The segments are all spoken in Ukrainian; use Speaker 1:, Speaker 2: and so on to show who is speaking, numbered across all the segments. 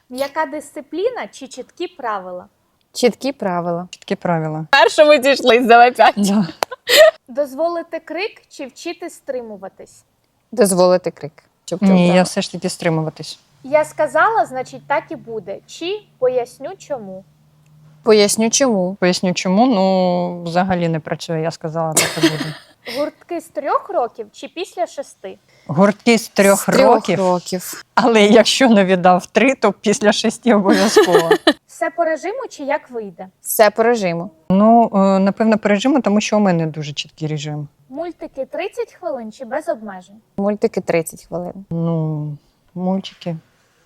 Speaker 1: М'яка дисципліна чи чіткі правила?
Speaker 2: Чіткі правила.
Speaker 3: Чіткі правила.
Speaker 2: Першому дійшлись, давай 5.
Speaker 3: Да.
Speaker 1: Дозволити крик чи вчити стримуватись?
Speaker 2: Дозволити крик. Щоб ти
Speaker 3: Ні,
Speaker 2: обрала.
Speaker 3: я все ж таки стримуватись.
Speaker 1: Я сказала, значить так і буде. Чи поясню чому?
Speaker 2: Поясню чому.
Speaker 3: Поясню чому, ну взагалі не працює, я сказала, так і буде.
Speaker 1: Гуртки з 3 років чи після 6?
Speaker 3: Гуртки з 3
Speaker 2: З 3
Speaker 3: років,
Speaker 2: років.
Speaker 3: але якщо не віддав 3, то після 6 обов'язково.
Speaker 1: Все по режиму чи як вийде?
Speaker 2: Все по режиму.
Speaker 3: Ну, напевно, по режиму, тому що у мене дуже чіткий режим.
Speaker 1: Мультики 30 хвилин чи без обмежень?
Speaker 2: Мультики 30 хвилин.
Speaker 3: Ну, мультики.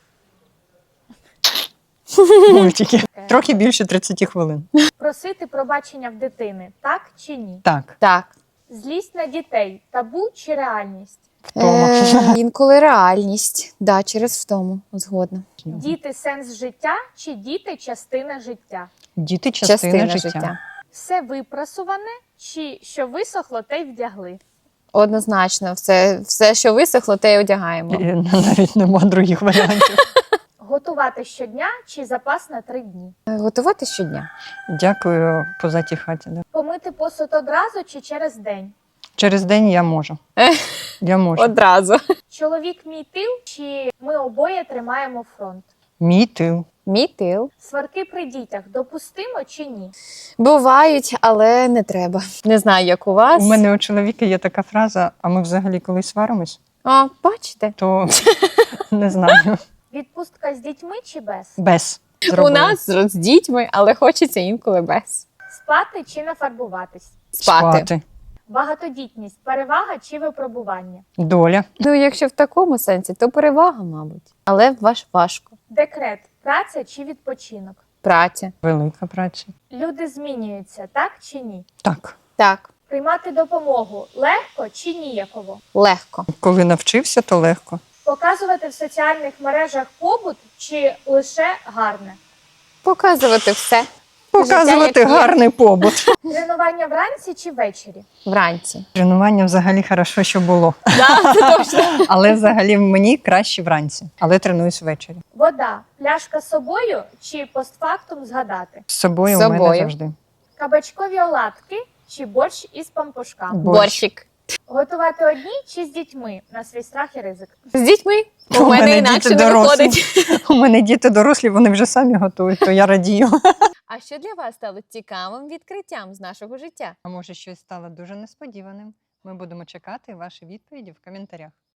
Speaker 3: Мультики. Трохи більше 30 хвилин.
Speaker 1: Просити пробачення в дитини, так чи ні?
Speaker 3: Так.
Speaker 2: Так.
Speaker 1: Злість на дітей, табу чи реальність?
Speaker 3: Втома.
Speaker 2: Інколи реальність. Да, через втому. Згодна.
Speaker 1: Діти сенс життя чи діти частина життя?
Speaker 3: Діти частина життя.
Speaker 1: Все випрасуване чи що висохло, те й вдягли?
Speaker 2: Однозначно. Все, що висохло, те й одягаємо.
Speaker 3: І навіть нема других варіантів.
Speaker 1: Готувати щодня чи запас на 3 дні?
Speaker 2: Готувати щодня.
Speaker 3: Дякую, позатій хаті. Да.
Speaker 1: Помити посуд одразу чи через день?
Speaker 3: Через день я можу. Я можу.
Speaker 2: Одразу.
Speaker 1: Чоловік мій тил чи ми обоє тримаємо фронт?
Speaker 3: Мій тил.
Speaker 2: Мій тил.
Speaker 1: Сварки при дітях допустимо чи ні?
Speaker 2: Бувають, але не треба. Не знаю, як у вас.
Speaker 3: У мене у чоловіка є така фраза, а ми взагалі коли сваримось,
Speaker 2: О, бачите?
Speaker 3: то не знаю.
Speaker 1: Відпустка з дітьми чи без?
Speaker 3: Без.
Speaker 2: У
Speaker 3: Зробили.
Speaker 2: нас з дітьми, але хочеться інколи без.
Speaker 1: Спати чи нафарбуватись?
Speaker 2: Спати.
Speaker 1: Багатодітність перевага чи випробування?
Speaker 3: Доля.
Speaker 2: Ну, якщо в такому сенсі, то перевага, мабуть. Але важко.
Speaker 1: Декрет праця чи відпочинок?
Speaker 2: Праця.
Speaker 3: Велика праця.
Speaker 1: Люди змінюються, так чи ні?
Speaker 3: Так.
Speaker 2: Так,
Speaker 1: Приймати допомогу легко чи ніяково?
Speaker 2: легко.
Speaker 3: Коли навчився, то легко.
Speaker 1: Показувати в соціальних мережах побут чи лише гарне?
Speaker 2: Показувати все.
Speaker 3: Показувати
Speaker 2: Життя, як є.
Speaker 3: гарний побут.
Speaker 1: Тренування вранці чи ввечері?
Speaker 2: Вранці.
Speaker 3: Тренування взагалі хорошо, що було.
Speaker 2: Да, це точно.
Speaker 3: Але взагалі мені краще вранці. Але тренуюсь ввечері.
Speaker 1: Вода, пляшка з собою чи постфактум згадати?
Speaker 3: З собою
Speaker 2: З
Speaker 3: у мене
Speaker 2: собою.
Speaker 3: завжди.
Speaker 1: Кабачкові оладки чи борщ із пампушками?
Speaker 2: Борщик.
Speaker 1: Готувати одні чи з дітьми на свій страх і ризик?
Speaker 2: З дітьми.
Speaker 3: У
Speaker 2: У мене
Speaker 3: мене
Speaker 2: інакше
Speaker 3: діти
Speaker 2: не
Speaker 3: дорослі.
Speaker 2: виходить.
Speaker 3: У мене діти дорослі, вони вже самі готують, то я радію.
Speaker 2: А що для вас стало цікавим відкриттям з нашого життя?
Speaker 3: А може щось стало дуже несподіваним? Ми будемо чекати ваші відповіді в коментарях.